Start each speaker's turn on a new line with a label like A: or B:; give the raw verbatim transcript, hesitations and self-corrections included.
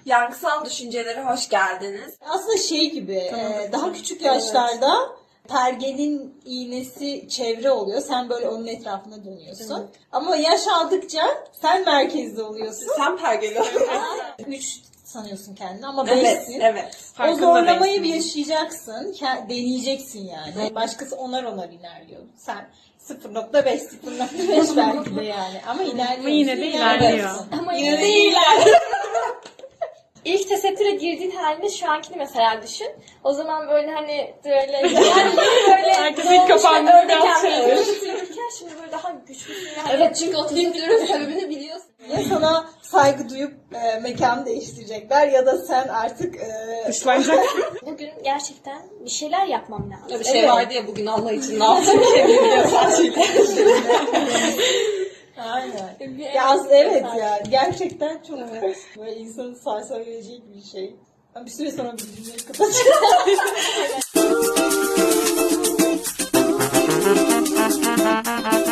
A: Yankısal düşüncelere hoş geldiniz.
B: Aslında şey gibi, e, daha küçük yaşlarda pergelin iğnesi çevre oluyor. Sen böyle onun etrafına dönüyorsun. Evet. Ama yaş aldıkça sen merkezde oluyorsun.
A: Sen pergeli oluyorsun.
B: Üç sanıyorsun kendini ama
A: Evet,
B: beşsin.
A: evet.
B: O zorlamayı bir yaşayacaksın. Deneyeceksin yani. Evet. Başkası onar onar ilerliyor. Sen sıfır nokta beş, sıfır nokta beş belki de yani. Ama ilerliyor.
C: Ama yine de ilerliyor.
D: Ama
A: Yine de ilerliyor.
D: İlk tesettüre girdiğin halinde şu ankini mesela düşün. O zaman böyle hani böyle yani böyle
C: Herkes ilk kapandı, biraz şey
D: öyle bitirirken şimdi böyle daha güçlüsün yani.
A: Evet, çünkü o tesettürün sebebini biliyorsun.
B: Ya sana saygı duyup e, mekanı değiştirecekler ya da sen artık e,
C: Dışlanacaksın.
D: Bugün gerçekten bir şeyler yapmam lazım.
A: Bir şey evet. vardı ya bugün Allah için ne yaptım bir şey biliyor sadece.
B: Aynen. Ya aslında evet ya. Gerçekten çok böyle insanı sarsabilecek bir şey. Ben bir süre sonra bir cümleyi kapatacağım.